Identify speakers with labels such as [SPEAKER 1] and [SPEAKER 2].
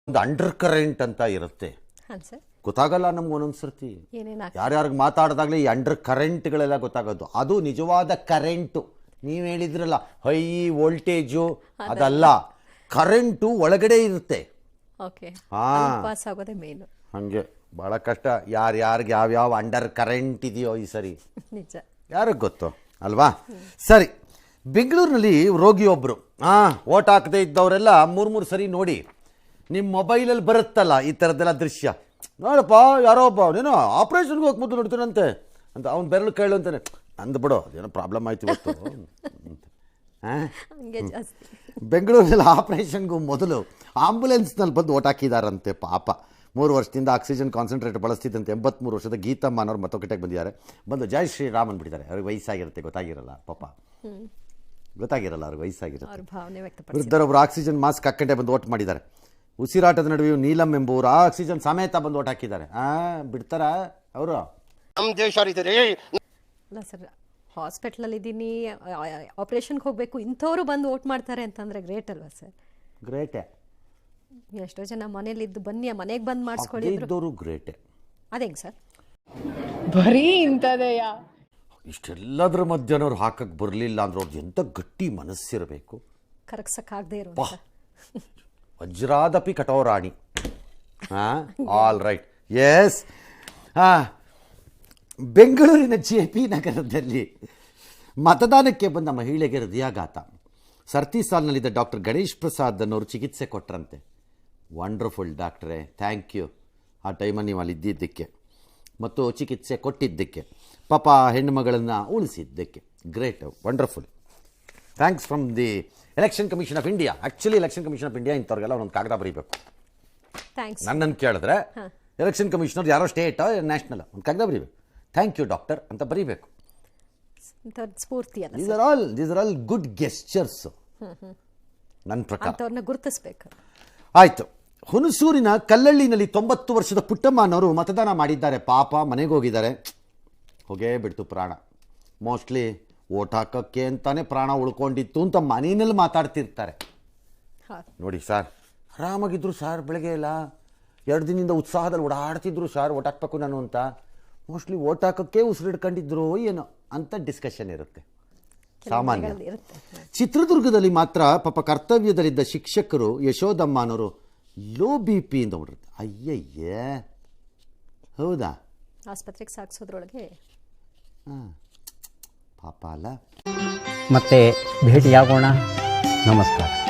[SPEAKER 1] ಒಂದು under current ಅಂತ ಇರುತ್ತೆ. ಗೊತ್ತಾಗಲ್ಲ ನಮ್ಗೆ ಒಂದೊಂದ್ಸರ್ತಿ ಯಾರ್ಯಾರಿಗೆ ಮಾತಾಡಿದಾಗಲೇ ಈ ಅಂಡರ್ ಕರೆಂಟ್ಗಳೆಲ್ಲ ಗೊತ್ತಾಗೋದು. ಅದು ನಿಜವಾದ ಕರೆಂಟು. ನೀವು ಹೇಳಿದ್ರಲ್ಲ ಹೈ ವೋಲ್ಟೇಜು, ಅದಲ್ಲ, ಕರೆಂಟು ಒಳಗಡೆ ಇರುತ್ತೆ. ಹಂಗೆ ಬಹಳ ಕಷ್ಟ. ಯಾರ್ಯಾರಿಗೆ ಯಾವ್ಯಾವ ಅಂಡರ್ ಕರೆಂಟ್ ಇದೆಯೋ ಈ ಸರಿ ಯಾರಿಗೆ ಗೊತ್ತು ಅಲ್ವಾ? ಸರಿ, ಬೆಂಗಳೂರಿನಲ್ಲಿ ರೋಗಿಯೊಬ್ಬರು ಓಟ್ ಹಾಕದೇ ಇದ್ದವರೆಲ್ಲ ಮೂರು ಸರಿ ನೋಡಿ, ನಿಮ್ಮ ಮೊಬೈಲಲ್ಲಿ ಬರುತ್ತಲ್ಲ ಈ ಥರದ್ದೆಲ್ಲ ದೃಶ್ಯ. ನೋಡಪ್ಪ ಯಾರೋ ಒಬ್ಬ ನೀನು ಆಪ್ರೇಷನ್ಗೆ ಹೋಗಿ ಮೊದಲು ನೋಡ್ತೀನಂತೆ ಅಂತ ಅವ್ನು ಬೆರಳು ಕೇಳು ಅಂತಾನೆ. ಅಂದು ಬಿಡು, ಅದೇನೋ ಪ್ರಾಬ್ಲಮ್ ಆಯ್ತು ಇವತ್ತು. ಬೆಂಗಳೂರಿನಲ್ಲಿ ಆಪ್ರೇಷನ್ಗೂ ಮೊದಲು ಆಂಬುಲೆನ್ಸ್ನಲ್ಲಿ ಬಂದು ಓಟ್ ಹಾಕಿದಾರಂತೆ. ಪಾಪ 3 ವರ್ಷದಿಂದ ಆಕ್ಸಿಜನ್ ಕಾನ್ಸಂಟ್ರೇಟರ್ ಬಳಸ್ತಿದ್ದಂತೆ 83 ವರ್ಷದ ಗೀತಮ್ಮ ಅನ್ನೋರು ಮತಗಟ್ಟೆಗೆ ಬಂದಿದ್ದಾರೆ. ಬಂದು ಜೈ ಶ್ರೀರಾಮ್ ಅಂದ್ಬಿಟ್ಟಿದ್ದಾರೆ. ಅವ್ರಿಗೆ ವಯಸ್ಸಾಗಿರುತ್ತೆ, ಗೊತ್ತಾಗಿರಲ್ಲ ಪಾಪ, ಗೊತ್ತಾಗಿರಲ್ಲ ಅವ್ರಿಗೆ ವಯಸ್ಸಾಗಿರುತ್ತೆ. ವೃದ್ಧರೊಬ್ಬರು ಆಕ್ಸಿಜನ್ ಮಾಸ್ಕ್ ಹಾಕೊಂಡೆ ಬಂದು ಓಟ್ ಮಾಡಿದ್ದಾರೆ. ಉಸಿರಾಟದ ನಡುವೆಯೂ ನೀಲಂ ಎಂಬುವರು ಆಕ್ಸಿಜನ್ ಸಮೇತ ಬಂದು ಓಟ್ ಹಾಕಿದ್ದಾರೆ. ಬಿಡ್ತಾರ ಅವರು?
[SPEAKER 2] ನಮ್ಮ ದೇಶ
[SPEAKER 3] ಅಲ್ಲ ಸರ್, ಹಾಸ್ಪಿಟ್ಲಲ್ಲಿ ಇದ್ದೀನಿ, ಆಪರೇಷನ್ಗೆ ಹೋಗಬೇಕು, ಇಂಥವ್ರು ಬಂದು ಓಟ್ ಮಾಡ್ತಾರೆ ಅಂತಂದರೆ ಗ್ರೇಟ್ ಅಲ್ವಾ ಸರ್?
[SPEAKER 1] ಗ್ರೇಟೇ.
[SPEAKER 3] ಎಷ್ಟೋ ಜನ ಮನೇಲಿದ್ದು ಬನ್ನಿ ಮನೆಗೆ ಬಂದು ಮಾಡಿಸ್ಕೊಳ್ಳಿದ್ರು.
[SPEAKER 1] ಗ್ರೇಟೇ.
[SPEAKER 3] ಅದೇಂಗೆ ಸರ್
[SPEAKER 4] ಬರೀ ಇಂಥದೆಯ?
[SPEAKER 1] ಇಷ್ಟೆಲ್ಲದ್ರ ಮಧ್ಯನವ್ರು ಹಾಕಕ್ಕೆ ಬರಲಿಲ್ಲ ಅಂದ್ರೆ ಅವ್ರದ್ದು ಎಂಥ ಗಟ್ಟಿ ಮನಸ್ಸಿರಬೇಕು.
[SPEAKER 3] ಕರಗ್ಸಕ್ಕಾಗದೇ ಇರೋ
[SPEAKER 1] ವಜ್ರಾದಪಿ ಕಠೋರಾಣಿ. All right, yes. ಬೆಂಗಳೂರಿನ JP ನಗರದಲ್ಲಿ ಮತದಾನಕ್ಕೆ ಬಂದ ಮಹಿಳೆಗೆ ಹೃದಯಾಘಾತ. ಸರ್ತಿ ಸಾಲಿನಲ್ಲಿದ್ದ ಡಾಕ್ಟರ್ ಗಣೇಶ್ ಪ್ರಸಾದ್ ಅನ್ನೋರು ಚಿಕಿತ್ಸೆ ಕೊಟ್ಟರಂತೆ. ವಂಡರ್ಫುಲ್ ಡಾಕ್ಟ್ರೇ, ಥ್ಯಾಂಕ್ ಯು ಆ ಟೈಮಲ್ಲಿ ನೀವು ಅಲ್ಲಿ ಇದ್ದಿದ್ದಕ್ಕೆ ಮತ್ತು ಚಿಕಿತ್ಸೆ ಕೊಟ್ಟಿದ್ದಕ್ಕೆ, ಪಾಪ ಹೆಣ್ಣುಮಗಳನ್ನು ಉಳಿಸಿದ್ದಕ್ಕೆ. Great, wonderful. Thanks from the election commission of India. Actually election commission of India ಇಂಥವ್ರಿಗೆಲ್ಲ ಒಂದೊಂದು ಕಾಗದ ಬರೀಬೇಕು. ನನ್ನನ್ನು ಕೇಳಿದ್ರೆ ಎಲೆಕ್ಷನ್ ಕಮಿಷನರ್ ಯಾರೋ ಸ್ಟೇಟ್ ನ್ಯಾಷನಲ್ ಒಂದು ಕಾಗದ ಬರೀಬೇಕು. ಥ್ಯಾಂಕ್ ಯು ಡಾಕ್ಟರ್ ಅಂತ ಬರೀಬೇಕು. These are all good gestures ನನ್ನ ಪ್ರಕಾರ.
[SPEAKER 3] ಗುರುತಿಸಬೇಕು.
[SPEAKER 1] ಆಯಿತು. ಹುಣಸೂರಿನ ಕಲ್ಲಳ್ಳಿನಲ್ಲಿ 90 ವರ್ಷದ ಪುಟ್ಟಮ್ಮ ಅನ್ನೋರು ಮತದಾನ ಮಾಡಿದ್ದಾರೆ. ಪಾಪ ಮನೆಗೆ ಹೋಗಿದ್ದಾರೆ. ಹೋಗೇ ಬಿಡ್ತು ಪ್ರಾಣ. ಮೋಸ್ಟ್ಲಿ ಓಟ್ ಹಾಕೋಕ್ಕೆ ಅಂತಾನೆ ಪ್ರಾಣ ಉಳ್ಕೊಂಡಿತ್ತು ಅಂತ ಮನೆಯಲ್ಲಿ ಮಾತಾಡ್ತಿರ್ತಾರೆ. ನೋಡಿ ಸರ್, ಆರಾಮಾಗಿದ್ರು ಸರ್, ಬೆಳಗ್ಗೆ ಎಲ್ಲ 2 ದಿನದಿಂದ ಉತ್ಸಾಹದಲ್ಲಿ ಓಡಾಡ್ತಿದ್ರು ಸರ್, ಓಟ್ ಹಾಕ್ಬೇಕು ನಾನು ಅಂತ. ಮೋಸ್ಟ್ಲಿ ಓಟ್ ಹಾಕೋಕ್ಕೆ ಉಸಿರಿಡ್ಕೊಂಡಿದ್ರು ಏನೋ ಅಂತ ಡಿಸ್ಕಷನ್ ಇರುತ್ತೆ, ಸಾಮಾನ್ಯ. ಚಿತ್ರದುರ್ಗದಲ್ಲಿ ಮಾತ್ರ ಪಾಪ ಕರ್ತವ್ಯದಲ್ಲಿದ್ದ ಶಿಕ್ಷಕರು ಯಶೋದಮ್ಮ ಅನ್ನೋರು ಲೋ BP ಇಂದ ಹೊರಡುತ್ತೆ. ಅಯ್ಯಯ್ಯೇ, ಹೌದಾ?
[SPEAKER 3] ಆಸ್ಪತ್ರೆಗೆ ಸಾಗಿಸೋದ್ರೊಳಗೆ
[SPEAKER 1] ಪಾಪ ಅಲ್ಲ.
[SPEAKER 5] ಮತ್ತೆ ಭೇಟಿಯಾಗೋಣ. ನಮಸ್ಕಾರ.